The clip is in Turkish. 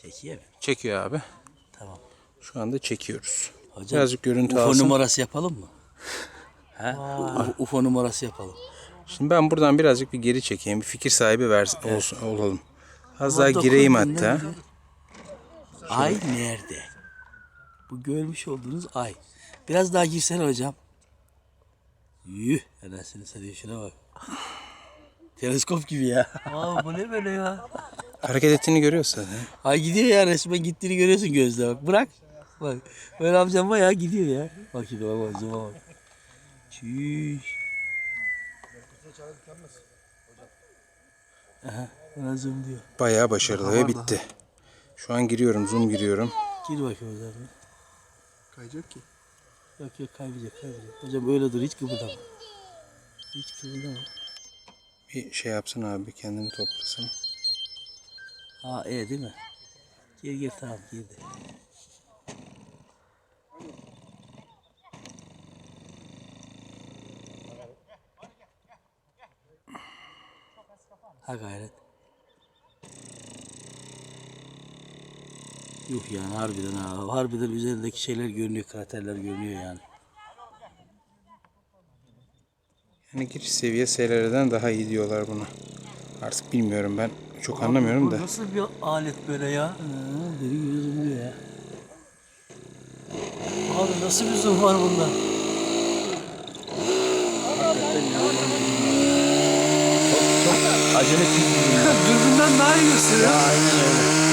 Çekiyor mu? Çekiyor abi. Tamam. Şu anda çekiyoruz. Hocam, Birazcık görüntü UFO alsın. numarası yapalım mı? He? UFO numarası yapalım. Şimdi ben buradan birazcık bir geri çekeyim. Bir fikir sahibi olsun, olalım. Az daha gireyim hatta. Ay nerede? Bu görmüş olduğunuz ay. Biraz daha girsene hocam. Yuh. Anasını satayım, şuna bak. Teleskop gibi ya. Aa, bu ne böyle ya? Hareket ettiğini görüyorsun zaten. Ay gidiyor ya, resmen gittiğini görüyorsun gözle bak. Bırak. Bak. Böyle amcam bayağı gidiyor ya. Bak şimdi bak, zoom'a bak. Çüş. Aha, bana zoom diyor. Bayağı başarılı ve bitti. Şu an giriyorum, zoom giriyorum. Gir bakayım hocam. Kayacak ki. Yok kaybedecek. Hocam öyle dur, hiç kıpırdama. Hiç kıpırdama. Bir şey yapsın abi, kendini toplasın. Ha değil mi? Gir tamam, girdi. Ha gayret. Yuh yani, harbiden ha. Harbiden üzerindeki şeyler görünüyor, kraterler görünüyor yani. Yani giriş seviye SLR'den daha iyi diyorlar buna. Artık bilmiyorum, ben çok anlamıyorum da. Nasıl bir alet böyle ya? Deli gibi zoomluyor ya. Abi nasıl bir zoom var bunda? Çok acele bir zoom ya. Dürbünden daha iyi gösteriyor. Aynen öyle.